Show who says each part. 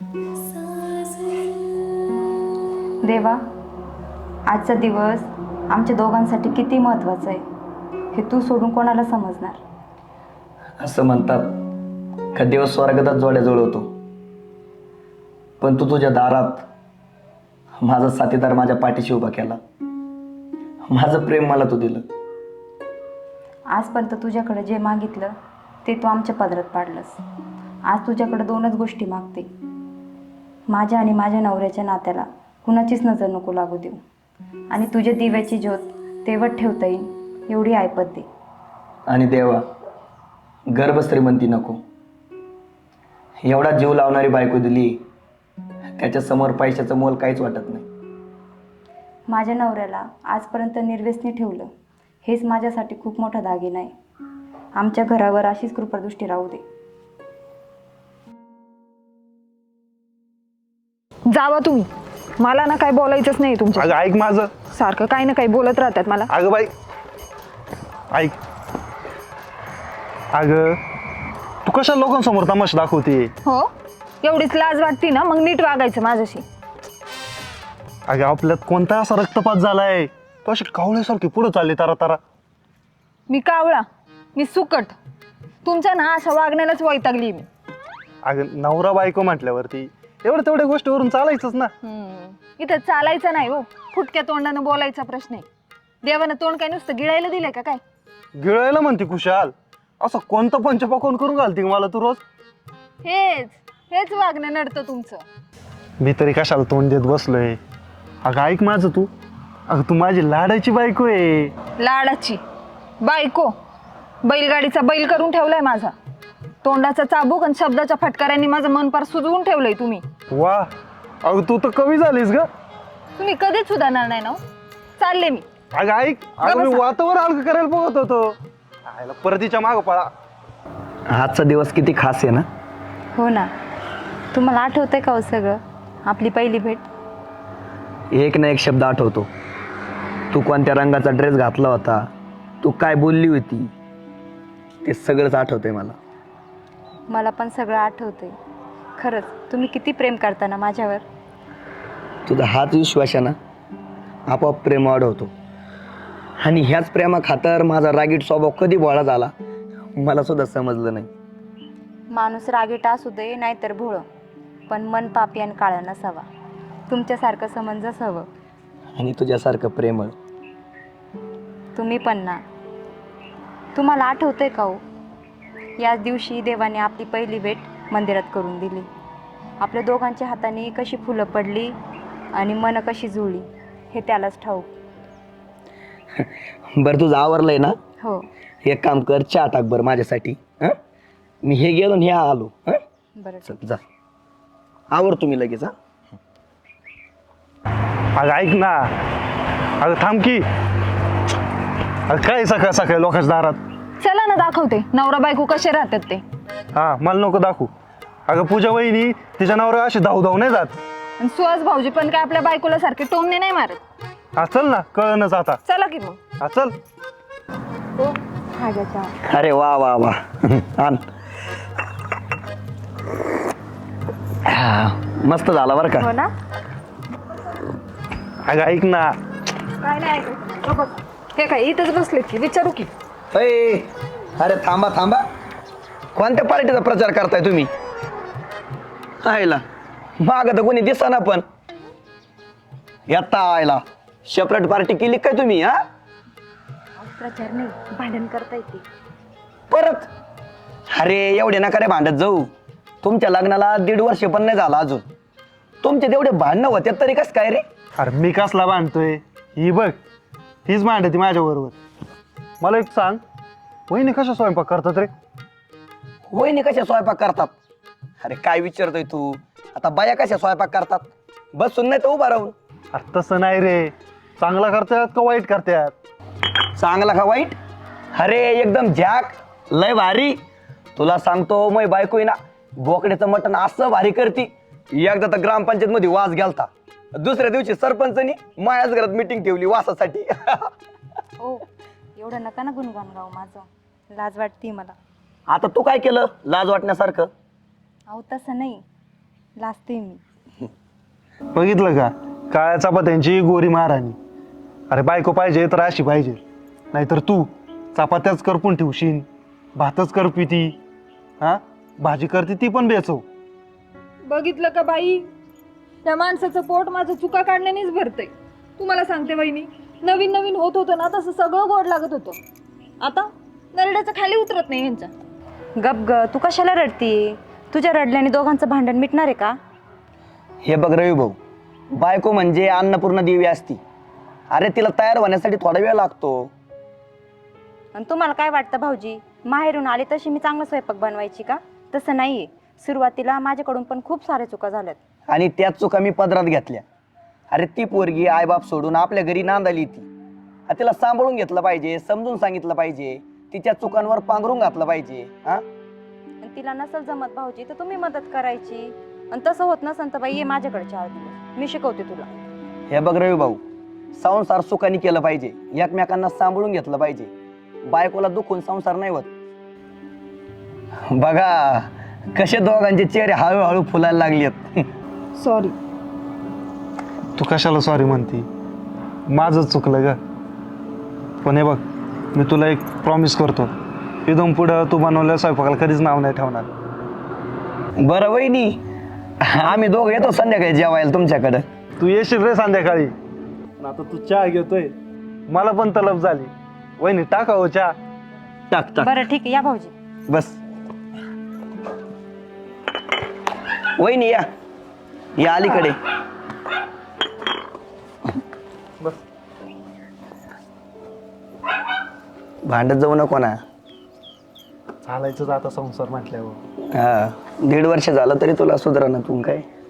Speaker 1: देवा, आजचा दिवस आमच्या दोघांसाठी किती महत्त्वाचा आहे हे तू सोडून कोणाला समजणार.
Speaker 2: असं म्हणतात का देव स्वर्गातच जोड्या जुळवतो, पण तू तुझ्या दारात माझा साथीदार माझ्या पाठीशी उभा केला. माझं प्रेम मला तू दिलं.
Speaker 1: आजपर्यंत तुझ्याकडे जे मागितलं ते तू आमच्या पदरात पाडलंस. आज तुझ्याकडे दोनच गोष्टी मागते. माझ्या आणि माझ्या नवऱ्याच्या नात्याला कुणाचीच नजर नको लागू देऊ, आणि तुझ्या दिव्याची ज्योत तेवढ ठेवता येईल एवढी ऐपत दे.
Speaker 2: आणि देवा, गर्भ श्रीमंती नको. एवढा जीव लावणारी बायको दिली, त्याच्यासमोर पैशाचं मोल काहीच वाटत नाही.
Speaker 1: माझ्या नवऱ्याला आजपर्यंत निर्व्यसनी ठेवलं, हेच माझ्यासाठी खूप मोठा दागिना आहे. आमच्या घरावर अशीच कृपादृष्टी राहू दे.
Speaker 3: जावा तुम्ही, मला ना काही बोलायचंच नाही तुमच्या.
Speaker 4: अगं ऐक माझं.
Speaker 3: सारखं काही ना काही बोलत राहतात मला.
Speaker 4: अगं बाई ऐक. अगं तू कशा लोकांसमोर तमाशा दाखवते?
Speaker 3: हो, एवढीच लाज वाटती ना, मग नीट वागायचं माझ्याशी.
Speaker 4: अगं आपल्यात कोणता असा रक्तपात झालाय? तू अशी कावळ्यासारखी पुढे चालली तारा तारा.
Speaker 3: मी कावळा, मी सुकट. तुमच्या ना अशा वागण्यालाच वैतागली मी.
Speaker 4: अगं नवरा बायको म्हटल्यावरती तेवढ्या गोष्टीवरून चालायचंच ना.
Speaker 3: इथं चालायचं नाही हो, फुटक्या तोंडानं बोलायचा प्रश्न आहे. देवानं तोंड काय नुसतं गिळायला दिलंय का काय?
Speaker 4: गिळायला म्हणते कुशाल. असं कोणतं पंचपाकवून करून घालते मला तू रोज?
Speaker 3: हेच वागणं नडतं तुमचं.
Speaker 4: मी तरी कशाला तोंड देत बसलोय? अगं ऐक माझं तू. अगं तू माझी लाडाची बायको आहे.
Speaker 3: लाडाची बायको? बैलगाडीचा बैल करून ठेवलाय माझा. तोंडाचा चाबूक आणि शब्दाच्या फटकाऱ्यांनी माझं मन पार सुजवून ठेवलंय तुम्ही.
Speaker 4: वा, अगं तू तर कवी झालीस ग.
Speaker 3: तुम्ही कधीच सुधारणार नाही ना हो. चालले मी.
Speaker 4: अगं ऐक. अगं मी वातावर अलग करायला बघत होतो. आयला परतीच्या मागं पळा.
Speaker 2: आजचा दिवस किती खास आहे ना.
Speaker 1: हो ना, तुम्हाला आठवतंय का हो सगळं? आपली पहिली भेट.
Speaker 2: एक ना एक शब्द आठवतो. तू कोणत्या रंगाचा ड्रेस घातला होता, तू काय बोलली होती, ते सगळंच आठवतंय मला.
Speaker 1: मला पण सगळं आठवतंय. खरंच तुम्ही किती प्रेम करता ना माझ्यावर.
Speaker 2: तुझा हाच विश्वास आहे ना, आपोआप प्रेम वाढवतो. आणि ह्याच प्रेमा खातर माझा रागीट स्वभाव कधी बोळा झाला मला सुद्धा समजलं नाही.
Speaker 1: माणूस रागीट असू दे नाहीतर भोळं, पण मन पापी आणि काळं नसावा. तुमच्यासारखं समंजस हवं.
Speaker 2: आणि तुझ्यासारखं प्रेमळ.
Speaker 1: तुम्ही पण ना. तुम्हाला आठवतंय का हो, याच दिवशी देवाने आपली पहिली भेट मंदिरात करून दिली. आपल्या दोघांच्या हाताने कशी फुलं पडली आणि मन कशी जुळली हे त्यालाच ठाऊक.
Speaker 2: बरं तुझं आवरलंय ना?
Speaker 1: हो.
Speaker 2: एक काम कर, चहा टाक बरं माझ्यासाठी. हां, मी हे गेलो आणि हे आलो. हां,
Speaker 1: बरं.
Speaker 2: चल जा, आवर तुम्ही लगेच. हां,
Speaker 4: अगं ऐक ना. अगं थांब की. अगं काय सकाळ सकाळी लोकांच्या दारात?
Speaker 3: चला ना, दाखवते नवरा बायको कसे राहतात ते.
Speaker 4: हा, मला नको दाखवू. अगं पूजा वहिनी तिच्या नावावर अशी धाव नाही जात.
Speaker 3: आणि सुहास भाऊजी पण काय आपल्या बायकोला सारखे टोमणे नाही मारत.
Speaker 4: हा चल ना, कळणच आता.
Speaker 3: चला की मग.
Speaker 4: हा चल.
Speaker 3: हो, हा घ्या चहा.
Speaker 2: अरे वा वा वा. आण. मस्त झाला बरं का.
Speaker 3: हो ना.
Speaker 4: अगं ऐक ना.
Speaker 3: काय नाही ऐकायचं. हो बघ. हे काय इथंच बसलेत की, विचारू की.
Speaker 2: अय, अरे थांबा थांबा. कोणत्या पार्टीचा प्रचार करताय तुम्ही? आयला माग तर कोणी दिसना, पण येता आयला सेपरेट पार्टी केली काय तुम्ही? हा,
Speaker 1: प्रचार नाही, भांडण करता येते
Speaker 2: परत. अरे एवढे नका रे भांडत जाऊ. तुमच्या लग्नाला 1.5 वर्ष पण नाही झाला अजून. तुमचे तेवढे भांडणं होते तरी कस काय रे?
Speaker 4: अरे मी कसला भांडतोय? ही बघ, हीच भांडती माझ्या बरोबर. मला एक सांग, वहिनी कशा स्वयंपाक करतात रे?
Speaker 2: वहिनी कशा स्वयंपाक करतात? अरे काय विचारतोय तू? आता बाया कशा स्वयंपाक करतात? बसून नाही तर उभा राहून.
Speaker 4: अरे तसं नाही रे. चांगला करतात का वाईट करतात?
Speaker 2: चांगला का वाईट? अरे एकदम झॅक, लय भारी. तुला सांगतो, मै बायको आहे ना, बोकड्याचं मटण असं भारी करती. एकदा तर ग्रामपंचायत मध्ये वास गेलता. दुसऱ्या दिवशी सरपंचनी माझ्याच घरात मीटिंग ठेवली वासासाठी.
Speaker 1: हो. एवढं नका ना गुणगान गाव माझं, लाज वाटते मला.
Speaker 2: आता तू काय केलं लाज वाटण्यासारखं?
Speaker 1: अहो तसं नाही, लाजते मी.
Speaker 4: बघितलं का, काळ्या चपात्यांची गोरी महाराणी. अरे बायको पाहिजे तर अशी पाहिजे, नाहीतर तू चपात्याच करपून ठेवशील, भातच करपिती, हा भाजी करते ती पण बेचव.
Speaker 3: बघितलं का बाई, त्या माणसाचं पोट माझं चुका काढण्यानेच भरतंय. तुम्हाला सांगते वहिनी, नवीन नवीन होत होतं ना तसं सगळं गोड लागत होतं. आता नरड्याचं खाली उतरत नाही यांच्या.
Speaker 1: गप ग, तू कशाला रडती? तुझ्या रडल्याने दोघांचं भांडण मिटणार आहे का?
Speaker 2: हे बघ रवी भाऊ, बायको म्हणजे अन्नपूर्ण देवी असती. अरे तिला तयार होण्यासाठी थोडा वेळ लागतो.
Speaker 1: आणि तुम्हाला काय वाटतं भाऊजी, माहेरून आली तशी मी चांगला स्वयंपाक बनवायची का? तसं नाहीये. सुरुवातीला माझ्याकडून पण खूप साऱ्या चुका झाल्यात.
Speaker 2: आणि त्याच चुका मी पदरात घेतल्या. अरे ती पोरगी आईबाप सोडून आपल्या घरी नांदाली ती. तिला सांभाळून घेतलं पाहिजे, समजून सांगितलं पाहिजे, तिच्या चुकांवर पांघरून घातलं पाहिजे. हा,
Speaker 1: आणि तिला नसल जमत भाऊजी तर तुम्ही मदत करायची. आणि तसं होत नसेल तर बाई ये माझ्याकडे 4 दिवस, मी शिकवते तुला.
Speaker 2: हे बघ रवी भाऊ, संसार सुखाने केलं पाहिजे, एकमेकांना सांभाळून घेतलं पाहिजे. बायकोला दुखून संसार नाही होत. बघा कसे दोघांचे चेहरे हळूहळू फुलायला लागलेत.
Speaker 3: सॉरी.
Speaker 4: तू कशाला सॉरी म्हणती? माझंच चुकलं ग. पण हे बघ, मी तुला एक प्रॉमिस करतो, इथून पुढं तू बनवलेल्या स्वयंपाकाला कधीच नाव नाही ठेवणार.
Speaker 2: बरं वहिनी, आम्ही दोघं येतो संध्याकाळी जेवायला तुमच्याकडं.
Speaker 4: तू येशील रे संध्याकाळी. पण आता तू चहा घेतोय, मला पण तलब झाली. वहिनी टाका हो चहा.
Speaker 2: टाक टाक.
Speaker 1: बरं ठीक आहे, या भाऊजी.
Speaker 2: बस वहिनी या, या अलीकडे.
Speaker 4: बस.
Speaker 2: भांडत जाऊ नको ना.
Speaker 4: चालायचंच आता संसार म्हटल्यावर.
Speaker 2: हा, 1.5 वर्ष झालं तरी तुला सुधारणा. तू काय